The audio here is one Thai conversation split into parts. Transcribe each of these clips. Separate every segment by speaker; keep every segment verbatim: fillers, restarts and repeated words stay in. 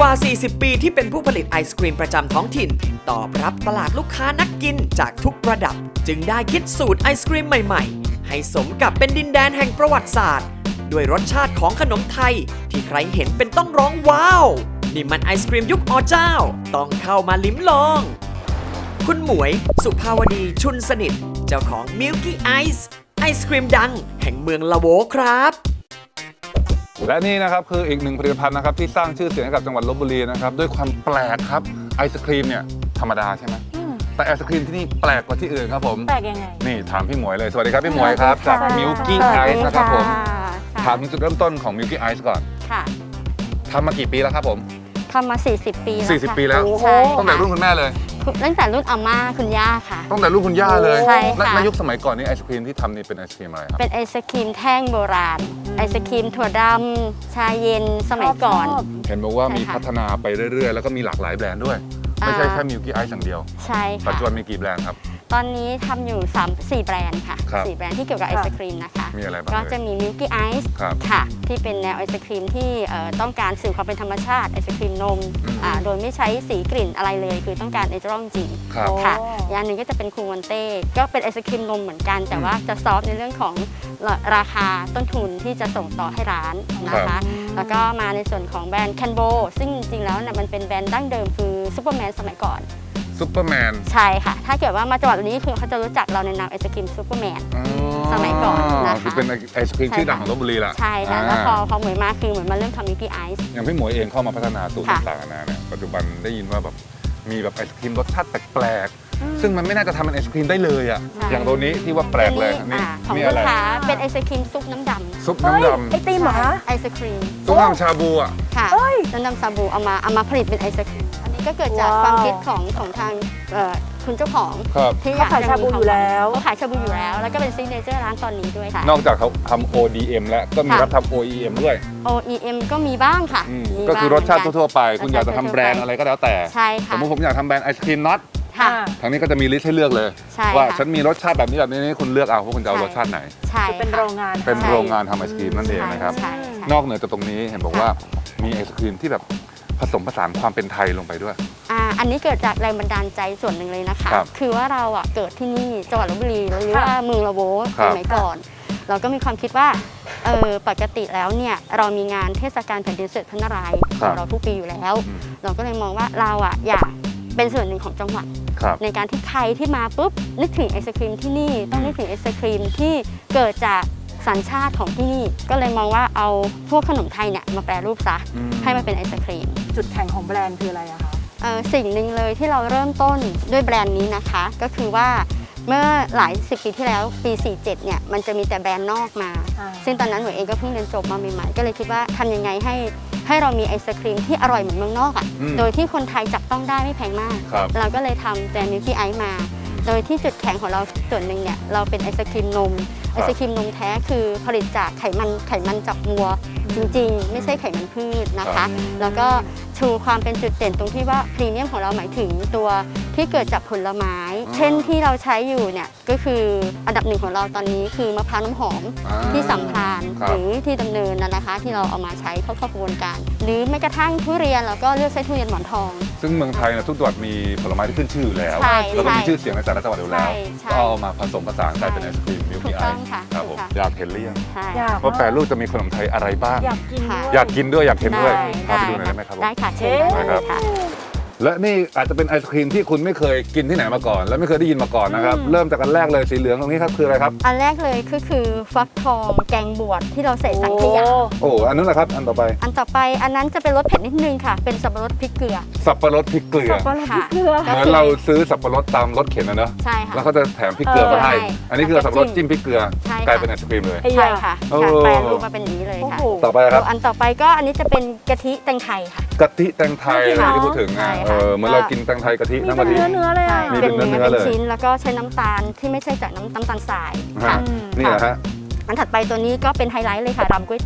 Speaker 1: ว่า สี่สิบ ปีที่เป็นผู้ผลิตไอศกรีมประจำท้องถิ่นตอบรับตลาดลูกค้านักกินจากทุกระดับจึงได้คิดสูตรไอศกรีมใหม่ๆให้สมกับเป็นดินแดนแห่งประวัติศาสตร์ด้วยรสชาติของขนมไทยที่ใครเห็นเป็นต้องร้องว้าวนี่มันไอศกรีมยุคอเจ้าต้องเข้ามาลิ้มลองคุณหมวยสุภาวดีชุนสนิทเจ้าของ Milky Ice ไอศกรีมดังแห่งเมืองละโวครับ
Speaker 2: และนี่นะครับคืออีกหนึ่งผลิตภัณฑ์นะครับที่สร้างชื่อเสียงให้กับจังหวัดลพบุรีนะครับด้วยความแปลกครับไอศครีมเนี่ยธรรมดาใช่ไหมแต่ไอศครีมที่นี่แปลกกว่าที่อื่นครับผม
Speaker 3: แปลกยังไง
Speaker 2: นี่ถามพี่หมวยเลยสวัสดีครับพี่หมวยครับจาก Milky Ice นะครับผมถามถึงจุดเริ่มต้นของ Milky Ice ก่อน
Speaker 4: ค่ะ
Speaker 2: ทำมากี่ปีแล้วครับผม
Speaker 4: ทำมาสี่สิบปีแล้ว
Speaker 2: สี่สิบปีแล้วตั้งแต่รุ่นคุณแม่เลย
Speaker 4: ตั้งแต่รุ่นอาม่าคุณย่าค่ะ
Speaker 2: ตั้งแต่รุ่นคุณย่าเลย
Speaker 4: ใช่ค่ะ
Speaker 2: ในยุคสมัยก่อนนี่ไอศครีมที่ทำนี่เป็นไอศครีมอะไรครับ
Speaker 4: เป็นไอศครีมแท่งโบราณไอศครีมถั่วดำชาเย็นสมัยก่อน
Speaker 2: เห็นบอกว่ามีพัฒนาไปเรื่อยๆแล้วก็มีหลากหลายแบรนด์ด้วยไม่ใช่แค่ Milky Ice อย่างเดียว
Speaker 4: ใช่ค่ะ
Speaker 2: ปัจจุบันมีกี่แบรนด์ครับ
Speaker 4: ตอนนี้ทำอยู่สาม สี่แบรนด์ค่ะสี่แบรนด์ที่เกี่ยวกับไอศครีมนะคะ
Speaker 2: มีอะไรบ้าง
Speaker 4: ก็จะมี Milky Ice ค่ะที่เป็นแนวไอศครีมที่ต้องการสื่อความเป็นธรรมชาติไอศครีมนมโดยไม่ใช้สีกลิ่นอะไรเลยคือต้องการเนเจอรัลจริงค่ะอย่างนึงก็จะเป็นคูมอนเต้ก็เป็นไอศครีมนมเหมือนกันแต่ว่าจะซอฟในเรื่องของราคาต้นทุนที่จะส่งต่อให้ร้านนะคะแล้วก็มาในส่วนของแบรนด์แคนโบซึ่งจริงๆแล้วเนี่ยมันเป็นแบรนด์ดั้งเดิมคือซูเปอร์แมนสมัยก่อน
Speaker 2: ซูเปอร์แมน
Speaker 4: ใช่ค่ะถ้าเกิดว่ามาจังหวัดนี้คือเขาจะรู้จักเราในนามไอศกรีมซูเปอร์แมนสมัยก่อนนะคะ
Speaker 2: คือเป็นไอศกรีมชื่อดังของลพบุรีแหละ
Speaker 4: ใช่ค่ะแล้วพอพอหมวยมาคือเหมือนมาเริ่มทำมิลกี้ไอซ์
Speaker 2: อย่างพี่หมวยเองเข้ามาพัฒนาสูตรต่างๆนะเนี่ยปัจจุบันได้ยินว่าแบบมีแบบไอศกรีมรสชาติแปลกๆซึ่งมันไม่น่าจะทำเป็นไอศกรีมได้เลยอ่ะอย่างตัวนี้ที่ว่าแปลกเลยนี่
Speaker 4: นี่อะไรเป็นไอศกรีมซุปน้ำดำ
Speaker 2: ซุปน้ำดำ
Speaker 3: ไอติมเหรอคะ
Speaker 4: ไอศกรีม
Speaker 2: ซุปน้ำชาบูอ่ะ
Speaker 4: ค่ะน้ำดำชาบูเอามาเอามาผลิตเป็นไอศกรีมอันนี้ก็เกิดจากความคิดของของทางคุณเจ้าของ
Speaker 3: ที่เขาขายชาบูอยู่แล้ว
Speaker 4: เขาขายชาบูอยู่แล้วแล้วก็เป็นซิกเนเจอร์ร้านตอนนี้ด้วยค่ะ
Speaker 2: นอกจากเขาทำ โอ ดี เอ็ม แล้วก็มีรับทำ โอ อี เอ็ม ด้วย
Speaker 4: โอ อี เอ็ม ก็มีบ้างค่ะ
Speaker 2: ก็คือรสชาติทั่วๆไปคุณอยากจะทำแบรนด์อะไรก็แล้วแต่
Speaker 4: ใช่ค่ะ
Speaker 2: สมมติผมอยากทำแบรนด์ไอศครีมน็อตทางนี้ก็จะมีลิสต์ให้เลือกเลยว่าฉันมีรสชาติแบบนี้แบบนี้คุณเลือกเอาว่าคุณจะเอารสชาติไหน
Speaker 4: ใช่
Speaker 3: เป็นโรงงาน
Speaker 2: เป็นโรงงานทำไอศครีมนั่นเองนะครับนอกเหนือจากตรงนี้เห็นบอกว่ามีไอศครีมที่แบบผสมผสานความเป็นไทยลงไปด้วย
Speaker 4: อ่าอันนี้เกิดจากแรงบันดาลใจส่วนหนึ่งเลยนะคะคือว่าเราอ่ะเกิดที่นี่จังหวัดลพบุรีหรือว่าเมืองละโวสมัยก่อนเราก็มีความคิดว่าเออปกติแล้วเนี่ยเรามีงานเทศกาลแผ่นดินเสด็จพระนารายณ์ของเราทุกปีอยู่แล้วเราก็เลยมองว่าเราอ่ะอยากเป็นส่วนหนึ่งของจังหวัดในการที่ใครที่มาปุ๊บนึกถึงไอศครีมที่นี่ต้องนึกถึงไอศครีมที่เกิดจากสัญชาติของที่นี่ก็เลยมองว่าเอาพวกขนมไทยเนี่ยมาแปรรูปซะให้มันเป็นไอศครีม
Speaker 3: จุดแข็งของแบรนด์คืออะไรอะคะ
Speaker 4: สิ่งหนึ่งเลยที่เราเริ่มต้นด้วยแบรนด์นี้นะคะก็คือว่าเมื่อหลายสิบปีที่แล้วปีสี่สิบเจ็ดเนี่ยมันจะมีแต่แบรนด์นอกมาซึ่งตอนนั้นหนูเองก็เพิ่งเรียนจบมาใหม่ๆก็เลยคิดว่าทำยังไงให้ให้เรามีไอศครีมที่อร่อยเหมือนเมืองนอกอ่ะโดยที่คนไทยจับต้องได้ไม่แพงมากเราก็เลยทำแบรนด์ Milky Ice มาโดยที่จุดแข็งของเราส่วนหนึ่งเนี่ยเราเป็นไอศครีมนมไอศครีมนมแท้คือผลิตจากไขมันไขมันจากวัวจริงๆไม่ใช่ไขมันพืชนะคะแล้วก็ชูความเป็นจุดเด่นตรงที่ว่าพรีเมียมของเราหมายถึงตัวที่เกิดจากผลไม้เช่นที่เราใช้อยู่เนี่ยก็คืออันดับหนึ่งของเราตอนนี้คือมะพร้าวน้ำหอมที่สัมพานหรือที่ดำเนินนะคะที่เราเอามาใช้เข้ากระบวนการหรือแม้กระทั่งทุเรียนเราก็เลือกใช้ทุเรียนหมอนทอง
Speaker 2: ซึ่งเมืองไทยนะทุกจังหวัดมีผลไม้ที่ขึ้นชื่ออยู่แล้วแล้วก็มีชื่อเสียงในแต่ละจังหวัดอยู่แล้วก็เอามาผสมผสานกลายเป็นไอศครีม Milky Ice ครับผมอยากเห็นหรือยังว่าแปรรูปจะมีขนมไทยอะไรบ้าง
Speaker 3: อยากกิน
Speaker 2: อยากกินด้วยอยากเห็นด้วยพาไปดูหน่อยได้ไหมครับ
Speaker 4: ได้ค่ะเชิญได้ค่ะ
Speaker 2: และนี่อาจจะเป็นไอศครีมที่คุณไม่เคยกินที่ไหนมาก่อนและไม่เคยได้ยินมาก่อนนะครับเริ่มจากอันแรกเลยสีเหลืองตรงนี้ครับคืออะไรครับ
Speaker 4: อันแรกเลยก็คือฟักทองแกงบวชที่เราใส่สังขยา
Speaker 2: โอ้อันนั้นแหละครับอันต่อไป
Speaker 4: อันต่อไปอันนั้นจะเป็นรสเผ็ดนิดนึงค่ะเป็นสับปะรดพริกเกลือ
Speaker 2: สับปะรดพริกเกลือ
Speaker 3: สับปะรดพริกเกลือ
Speaker 2: เหมือนเราซื้อสับปะรดตามรถเข็นนะเนอะ
Speaker 4: ใช่ค่ะ
Speaker 2: แล้วเขาจะแถมพริกเกลือมาให้อันนี้คือสับปะรดจิ้มพริกเกลือกลายเป็นไอศครีมเลย
Speaker 4: ใช่ค่ะแปรรูปมาเป็นอย่างนี้เลยค่ะ
Speaker 2: ต่อไปครับ
Speaker 4: อันต่อไปก็อันนี้จะเป็นกะทิแตงไทยค่ะ
Speaker 2: กะทิแตงไทยที่พูดถึงนะเออเหมือนเรากินแตงไทยกะทิน้ำกะทิ
Speaker 3: เนื้อเนื้อเลย
Speaker 2: มีเป็นเนื้อเนื้อเลย
Speaker 4: ชิ้นแล้วก็ใช้น้ำตาลที่ไม่ใช่จากน้ำน้ำตาลทราย
Speaker 2: ค่ะนี่แหละฮะ
Speaker 4: อันถัดไปตัวนี้ก็เป็นไฮไลท์เลยค่ะรำกล้วยตาก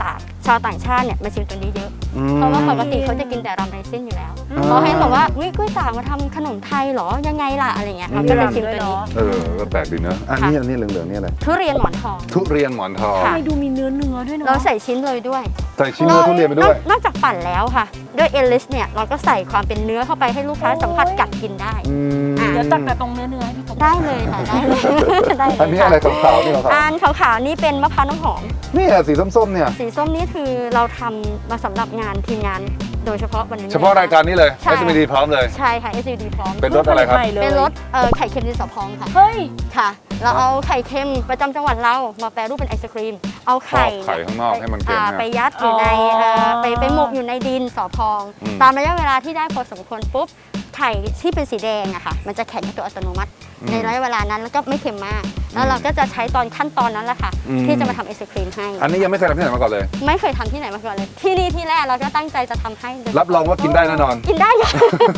Speaker 4: ชาวต่างชาติเนี่ยมาชิมตัวนี้เยอะ
Speaker 2: อืม
Speaker 4: เพราะว่าปกติเขาจะกินแต่รำไรซิ่นอยู่แล้ว
Speaker 2: อืม
Speaker 4: เขาให้บอกว่าวิกล้วยตากมาทำขนมไทยเหรอยังไงล่ะอะไรเงี้ยเขาก็เลยชิมตัวนี้
Speaker 2: เออก็แปลกดีเนอะอันนี้อันนี้เหลืองๆนี่อะไร
Speaker 4: ทุเรียนหมอนทอง
Speaker 2: ทุเรียนหมอนทอง
Speaker 3: ทำไมดูมีเนื้อเนื้อด้วยเนาะ
Speaker 4: เราใส่ชิ้นเลยด้วย
Speaker 2: ใส่ชิ้นเนื้อทุเรียนไปด้วย
Speaker 4: นอกจากปั่นแล้วค่ะ ด้วยเอลิสเนี่ยเราก็ใส่ความเป็นเนื้อเข้าไปให้ลูกค้าสัมผัสกัดกินได้
Speaker 2: อืม
Speaker 4: อ่ะ
Speaker 3: เดี๋ยวตักแต่ตรงเนื้อเนื้อให้พี่กบ
Speaker 4: ได้เลยค่ะได้เลยได้เลย
Speaker 2: อันนี้อะไรขาวๆนี่ขาว
Speaker 4: อันขาวๆนี่เป็นมะพร้าวน้ำหอม
Speaker 2: ๆนี่อะสีส้มๆเนี่ย
Speaker 4: สีส้มนี่คือเราทำมาสำหรับงานทีมงานโดยเฉพาะวันนี้
Speaker 2: เฉพาะรายการนี้เลย
Speaker 4: ใช่
Speaker 2: เอส เอ็ม ดี พร้อมเลย
Speaker 4: ใช่ค่ะ เอส ยู ดี พร้อม
Speaker 2: เป็นรสอะไรครับ
Speaker 3: ใหม่ลย
Speaker 4: เป็นรสเอ่อไข่เค็มดินสอพองค่ะ
Speaker 3: เฮ้ย
Speaker 4: ค่ะ เราเอาไข่เค็มประจำจังหวัดเรามาแปรรูปเป็นไอศครีม เอาไข่
Speaker 2: ครอบไข่ข้างนอกให้มันเค็ม
Speaker 4: อ่า
Speaker 2: เนี่ย
Speaker 4: ไปยัดอยู่ใน
Speaker 3: อ๋อ
Speaker 4: เอ่อไปไปหมกอยู่ในดินสอพอง
Speaker 2: อืม
Speaker 4: ตามระยะเวลาที่ได้พอสมควรปุ๊บไข่ที่เป็นสีแดงอะค่ะมันจะแข็งตัวอัตโนมัติ ในระยะเวลานั้นแล้วก็ไม่เค็มมาก แล้วเราก็จะใช้ตอนขั้นตอนนั้นแหละค่ะ
Speaker 2: อืม
Speaker 4: ที่จะมาทำไอศครีมให้
Speaker 2: อันนี้ยังไม่เคยทำที่ไหนมาก่อนเลย
Speaker 4: ไม่เคยทำที่ไหนมาก่อนเลย ที่นี่ที่แรกเราก็ตั้งใจจะทำให้โดย
Speaker 2: รับรองว่ากินได้แน่นอน
Speaker 4: กินได้ค่ะ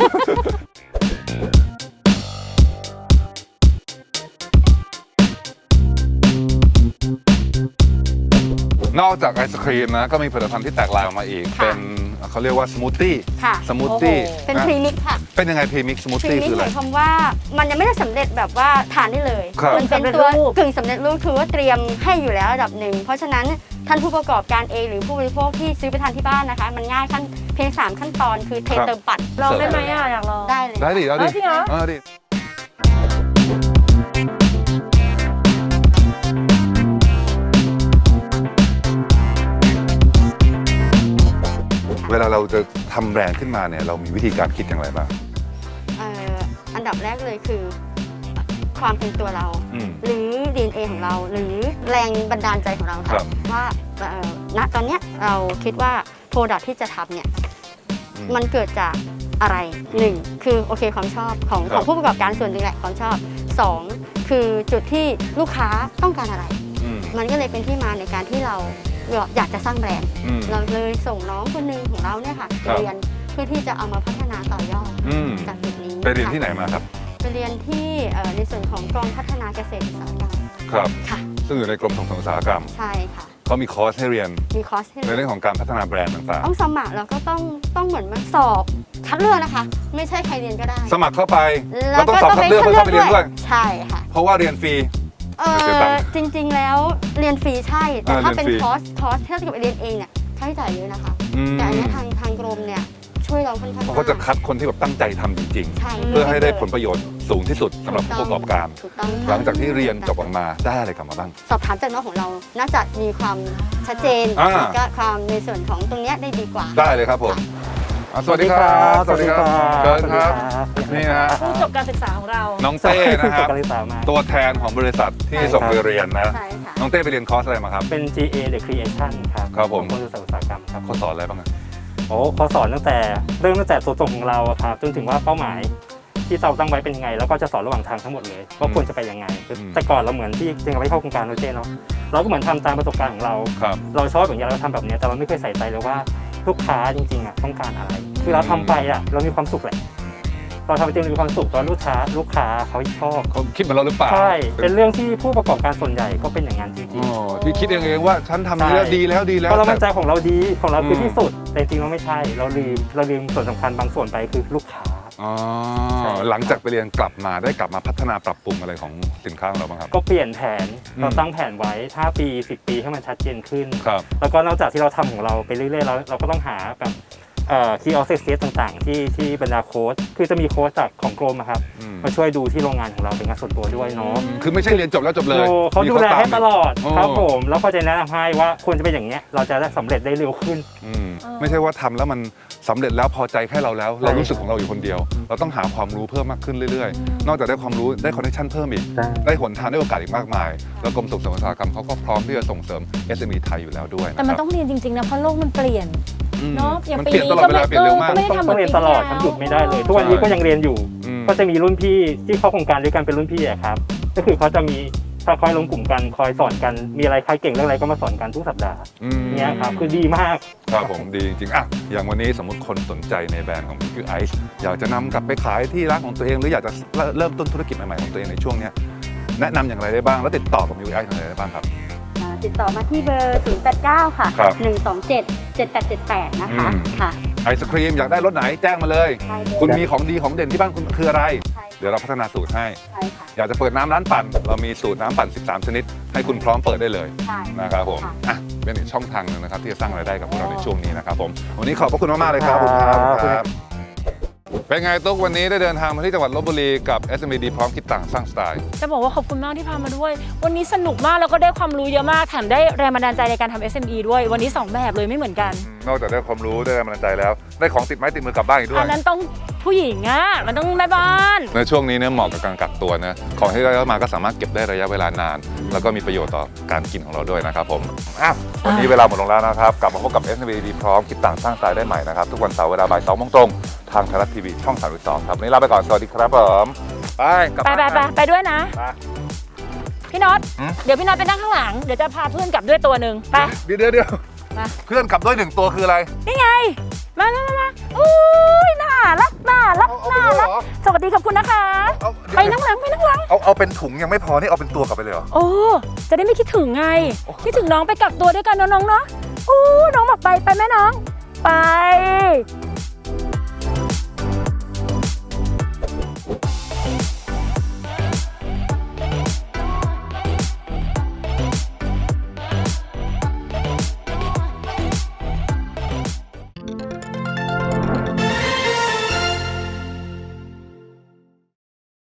Speaker 2: นอกจากไอศครีมนะก็มีผลิตภัณฑ์ที่แตกลายออกมาอีก
Speaker 4: ค่ะ
Speaker 2: เป็นเขาเรียกว่าสมูทตี้
Speaker 4: ค่ะ
Speaker 2: สมูทตี้
Speaker 3: โอ้โห
Speaker 4: เป็นพรีมิกค่ะ
Speaker 2: เป็นยังไงพรีมิกสมูท
Speaker 4: พรี
Speaker 2: ตี้
Speaker 4: มิก
Speaker 2: คือ
Speaker 4: ห
Speaker 2: อะไร
Speaker 4: มายความว่ามันยังไม่ได้สำเร็จแบบว่าทานได้เลย
Speaker 2: ครับ
Speaker 4: มันเป็นตัวกึ่งสำเร็จรูปคือว่าเตรียมให้อยู่แล้วระดับหนึ่งเพราะฉะนั้นท่านผู้ประกอบการเองหรือผู้บริโภคที่ซื้อไปทานที่บ้านนะคะ มันง่ายขั้นเพียงสามขั้นตอนคือเท
Speaker 2: ครับ
Speaker 4: เติมปัด
Speaker 3: ลองได้ไหมอ่ะอยากลอง
Speaker 4: ได้เลย
Speaker 2: ได้ดิเอาดิ
Speaker 3: เอ้าจริงเหรอ
Speaker 2: เออดิเวลาเราจะทำแบรนด์ขึ้นมาเนี่ยเรามีวิธีการคิดอย่างไรบ้าง
Speaker 4: เอ่ออันดับแรกเลยคือความเป็นตัวเรา
Speaker 2: อืม
Speaker 4: หรือ ดี เอ็น เอ ของเรา หรือแรงบันดาลใจของเรา
Speaker 2: ครั
Speaker 4: ค่ะ
Speaker 2: บ
Speaker 4: ว่าเอ่อณตอนเนี้ยเราคิดว่าโปรดักที่จะทำเนี่ย
Speaker 2: อืม
Speaker 4: มันเกิดจากอะไรหนึ่งคือโอเคความชอบของ
Speaker 2: ครับ
Speaker 4: ของผู้ประกอบการส่วนหนึ่งแหละความชอบสองคือจุดที่ลูกค้าต้องการอะไร
Speaker 2: อืม
Speaker 4: มันก็เลยเป็นที่มาในการที่เราอยากจะสร้างแบรนด์
Speaker 2: อืม
Speaker 4: เราเลยส่งน้องคนหนึ่งของเราเนี่ยค่ะ
Speaker 2: ครับ
Speaker 4: เรียนเพื่อที่จะเอามาพัฒนาต่อยอด
Speaker 2: อืม
Speaker 4: จากจุดนี้
Speaker 2: ไปเรียน
Speaker 4: ค่ะ
Speaker 2: ที่ไหนมาครับ
Speaker 4: ไปเรียนที่เอ่อในส่วนของกองพัฒนาเกษตรอุตสาหกรรม
Speaker 2: ครับ
Speaker 4: ค่ะ
Speaker 2: ซึ่งอยู่ในกรมส่งเสริมอุตสาหกรรม
Speaker 4: ใช่ค่ะ
Speaker 2: เขามีคอร์สให้เรียน
Speaker 4: มีคอร์สให้
Speaker 2: ในเรื่องของการพัฒนาแบรนด์ต่าง
Speaker 4: ต้องสมัครแล้วก็ต้องต้องเหมือนมาสอบคัดเลือกนะคะ ไม่ใช่ใครเรียนก็ได้
Speaker 2: ๆ สมัครเข้าไป
Speaker 4: แล้
Speaker 2: แล้ว
Speaker 4: ว
Speaker 2: ต้อง
Speaker 4: ก็
Speaker 2: สอบ
Speaker 4: ต้อง
Speaker 2: คัด
Speaker 4: ไป
Speaker 2: เลือก
Speaker 4: คัด
Speaker 2: เพื่อ
Speaker 4: เลือ
Speaker 2: เข้าก ไปเรียน
Speaker 4: ด้
Speaker 2: ด้
Speaker 4: ว
Speaker 2: วย ย
Speaker 4: ใช่ค่ะ
Speaker 2: เพราะว่าเรียนฟรี
Speaker 4: เอ
Speaker 2: เสียตัง
Speaker 4: อ
Speaker 2: ค์
Speaker 4: จริง ๆ แล้วเรียนฟรีใช่ แต่
Speaker 2: เออ
Speaker 4: ถ้าเป็น
Speaker 2: เรียนฟรี
Speaker 4: คอร์สคอร์สที่เราจะไปเรียนเองเนี่ยค่าใช้จ่ายเยอะนะคะ
Speaker 2: อืม
Speaker 4: แต่อันเนี้ยทางทางกรมเนี่ยช่วยเราค่อนข้าง
Speaker 2: เขาก็จะ
Speaker 4: มาก
Speaker 2: คัดคนที่แบบตั้งใจทำจริง
Speaker 4: ใช่
Speaker 2: ๆ เพื่อให้ได้ผลประโยชน์สูงที่สุดสำหรับผู้ประกอบการ
Speaker 4: ถูกต้อง
Speaker 2: หลังจากที่เรียนจบออกมาได้อะไรกลับมาบ้าง
Speaker 4: สอบถามจากน้องของเรา น่าจะมีความชัดเจน
Speaker 2: อ่า
Speaker 4: แล้วก็ความในส่วนของตรงเนี้ยได้ดีกว่า
Speaker 2: ได้เลยครับผมอ่ะสวัสดีครับสวัสดีครับเชิญครับนี่นะฮะ
Speaker 3: ผู้จบการศึกษาของเรา
Speaker 2: น้องเต้นะครับ
Speaker 5: การศึกษามา
Speaker 2: ตัวแทนของบริษัทที่ส่งไปเรียนนะ
Speaker 4: ใช่ค่ะ
Speaker 2: น้องเต้ไปเรียนคอร์สอะไรมาครับ
Speaker 5: เป็น จี เอ The Creation ครับ
Speaker 2: ครับผม
Speaker 5: ของกรมส่งเสริมอุตสาหกรรมครับ
Speaker 2: เขาสอนอะไรบ้างอะ
Speaker 5: โอ้เขาสอนตั้งแต่เริ่มตั้งแต่ตัวตนของเราอะครับจนถึงว่าเป้าหมายที่เราตั้งไว้เป็นยังไง แล้วก็จะสอนระหว่างทางทั้งหมดเลยว่าควรจะไปยังไงคือแต่ก่อนเราเหมือนที่จริงๆเราไม่เข้าโครงการเราเจเนาะเราก็เหมือนทำตามประสบการณ์ของเรา
Speaker 2: ครับ
Speaker 5: เราชอบอย่างเงี้ยเราทำแบบเนี้ยแต่เราไม่เคยใส่ใจเลยว่าลูกค้าจริงๆอะต้องการอะไร คือเราทำไปอะเรามีความสุขแหละเราทำไปจริงๆมีความสุขตอนลูกค้าลูกค้าเขาชอบ
Speaker 2: เขาคิดเหมือนเราหรือเปล่า
Speaker 5: ใช่ เป็นเรื่องที่ผู้ประกอบการส่วนใหญ่ก็เป็นอย่างนั้นจริง
Speaker 2: อ๋อที่คิดเองเองว่าฉันทำดีแล้ว
Speaker 5: ใช่
Speaker 2: ดีแล้วดี
Speaker 5: ๆ
Speaker 2: แล้ว
Speaker 5: เพราะเรามั่นใจ
Speaker 2: แต่
Speaker 5: ของเราดีของเราคืออ
Speaker 2: ม
Speaker 5: ที่สุด แต่จริงๆเราไม่ใช่ เราลืมเราลืมส่วนสำคัญบางส่วนไปคือลูกค้า
Speaker 2: อ๋อ
Speaker 5: ใช่
Speaker 2: หลังจากไปเรียนกลับมาได้กลับมาพัฒนาปรับปรุงอะไรของสินค้าของเราบ้างครับ
Speaker 5: ก็เปลี่ยนแผน
Speaker 2: อืม
Speaker 5: เราตั้งแผนไว้ห้าปีสิบปีให้มันชัดเจนขึ้น
Speaker 2: ครับ
Speaker 5: แล้วก็นอกจากที่เราทำของเราไปเรื่อยๆแล้วเราก็ต้องหาแบบเอ่อ key of success ต่างๆ ที่ที่บรรดาโค้ชคือจะมีโค้ชจากของกรมอะครับ
Speaker 2: อืม
Speaker 5: มาช่วยดูที่โรงงานของเราเป็นงานส่วนตัวด้วยเนาะ
Speaker 2: คือไม่ใช่เรียนจบแล้วจบเลย
Speaker 5: โอ้เขา
Speaker 2: มี
Speaker 5: ดูแลให้ตลอด
Speaker 2: โอ้
Speaker 5: ครับผมแล้วก็จะแนะนำให้ว่าควรจะเป็นอย่างเนี้ยเราจะได้สำเร็จได้เร็วขึ้น
Speaker 2: อืมไม่ใช่ว่าทำแล้วมันสำเร็จแล้วพอใจแค่เราแล้ว เรารู้สึกของเราอยู่คนเดียว เราต้องหาความรู้เพิ่มมากขึ้นเรื่อยๆ นอกจากได้ความรู้ได้คอนเนคชั่นเพิ่มอีก ได้หนทางได้โอกาสอีกมากมาย แล้วกรมส่งเสริมอุตสาหกรรมเขาก็พร้อมที่จะส่งเสริม เอส เอ็ม อี ไทยอยู่แล้วด้วย
Speaker 3: แต่มันต้องเรียนจริงๆนะเพราะโลกมันเปลี่ยน
Speaker 2: อืม
Speaker 3: เนาะอย่าง
Speaker 2: มัน
Speaker 3: ปี
Speaker 2: เปลี่ยน
Speaker 3: นี้
Speaker 2: ตลอดเวลาเปลี่ยนเร็วมาก
Speaker 3: ก็ไม่ได้
Speaker 5: ต้อง
Speaker 3: ทำเหมื
Speaker 5: ต้อง
Speaker 3: อน
Speaker 5: เรียน
Speaker 3: ปี
Speaker 5: ตลอด
Speaker 3: ที่
Speaker 5: ครับ
Speaker 3: แล้ว
Speaker 5: หยุดไม่ได้เลย ทุกวันนี้ก็ยังเรียนอยู่
Speaker 2: อืม
Speaker 5: ก็จะมีรุ่นพี่ที่เข้าโครงการด้วยกันเป็นรุ่นพี่อะครับก็คือเขาจะมีถ้าคอยลงกลุ่มกันคอยสอนกันมีอะไรใครเก่งเรื่องอะไรก็มาสอนกันทุกสัปดาห์
Speaker 2: อืม
Speaker 5: เนี้ยครับคือดีมาก
Speaker 2: ครับผมดีจริงๆอ่ะอย่างวันนี้สมมติคนสนใจในแบรนด์ของ พี คิว Ice อยากจะนำกลับไปขายที่ร้านของตัวเองหรืออยากจะเริ่มต้นธุรกิจใหม่ๆของตัวเองในช่วงเนี้ยแนะนำอย่างไรได้บ้างแล้วติดต่อกับ พี คิว Ice อย่างไรได้บ้างครับ
Speaker 4: ตติดต่อมาที่เบอร์ ศูนย์ แปด เก้า ค่ะ
Speaker 2: ครับ
Speaker 4: หนึ่ง สอง เจ็ด เจ็ด แปด เจ็ด แปด นะคะ
Speaker 2: อืม
Speaker 4: ค่ะ
Speaker 2: ไอศครีมอยากได้รสไหนแจ้งมาเลย
Speaker 4: ใช่เลย
Speaker 2: คุณมีของดีของเด่นที่บ้านคุณคืออะไร
Speaker 4: ใช่
Speaker 2: เดี๋ยวเราพัฒนาสูตรให้
Speaker 4: ใช่ค่ะ
Speaker 2: อยากจะเปิดน้ำร้านปั่น เรามีสูตรน้ำปั่น สิบสาม ชนิด ให้คุณพร้อมเปิดได้เลย
Speaker 4: ใช่
Speaker 2: นะครับผม
Speaker 4: ค่ะ
Speaker 2: อ่ะเป็นอีกช่องทางหนึงนะครับที่จะสร้างรายได้กับพวกเราในช่วงนี้นะครับผมวันนี้ขอบพระคุณมากๆเลยครับขอบคุณครับ
Speaker 5: ขอบคุณครับ
Speaker 2: เป็นไงตุ๊กวันนี้ได้เดินทางมาที่จังหวัดลบบุรีกับ เอส เอ็ม อี ดี พร้อมคิดต่างสร้างสไตล์
Speaker 3: จะบอกว่าขอบคุณมากที่พามาด้วย วันนี้สนุกมากแล้วก็ได้ความรู้เยอะมากแถมได้แรงบันดาลใจในการทำ เอส เอ็ม อี ด้วยวันนี้สองแบบเลยไม่เหมือนกัน
Speaker 2: นอกจากได้ความรู้ได้แรงบันดาลใจแล้ว ได้ของติดไม้ติดมือกลับบ้านอีกด้ว
Speaker 3: อั
Speaker 2: ย
Speaker 3: นนั้นต้องผู้หญิงอ่ะมันต้องแม่บ้าน
Speaker 2: ในช่วงนี้เนี่ยเหมาะกับการกักตัวนะของที่ได้มาก็สามารถเก็บได้ระยะเวลานาน แล้วก็มีประโยชน์ต่อการกินของเราด้วยนะครับผมอ่ะวันนี้เวลาหมดลงแล้วนะครับกลับมาพบกับ เอส เอ็ม อี ดี พร้อมคิดต่างสร้างสไตล์ได้ใหม่นะครับทุกวันเสาร์เวลาบ่ายสองโมงตรงทางไทยรัฐทีวีช่องสามสิบสองครับวันนี้ลาไปก่อนสวัสดีครับผมไปกลับ
Speaker 3: ไป
Speaker 2: บ้าน
Speaker 3: ไปไปไปด้วยนะ
Speaker 2: ไป
Speaker 3: พี่น็อต
Speaker 2: หืม
Speaker 3: เดี๋ยวพี่น็อตไปนั่งข้างหลังเดี๋ยวจะพาเพื่อนกลับด้วยตัวหนึ่งไป
Speaker 2: เดี๋ยวเดี๋ยวเดี๋ยว
Speaker 3: มา
Speaker 2: เพื่อนขับด้วยหนึ่งตัวคืออะไร
Speaker 3: นี่ไงมามามามาอุ้ยน่ารักน่ารัก
Speaker 2: เอาเอา
Speaker 3: น่า
Speaker 2: ไปเลย
Speaker 3: รัก
Speaker 2: เหรอ
Speaker 3: สวัสดีขอบคุณนะคะ
Speaker 2: เอา
Speaker 3: ไปนั่งหลังไปนั่งหลัง
Speaker 2: เอาเอาเป็นถุงยังไม่พอนี่เอาเป็นตัวกลับไปเลยเหรอ
Speaker 3: โอ้จะได้ไม่คิดถึงไงคิดถึงน้องไปกักตัวด้วยกันเนอะน้องเนาะอู้น้องบอกไปไปแม่น้อง ไป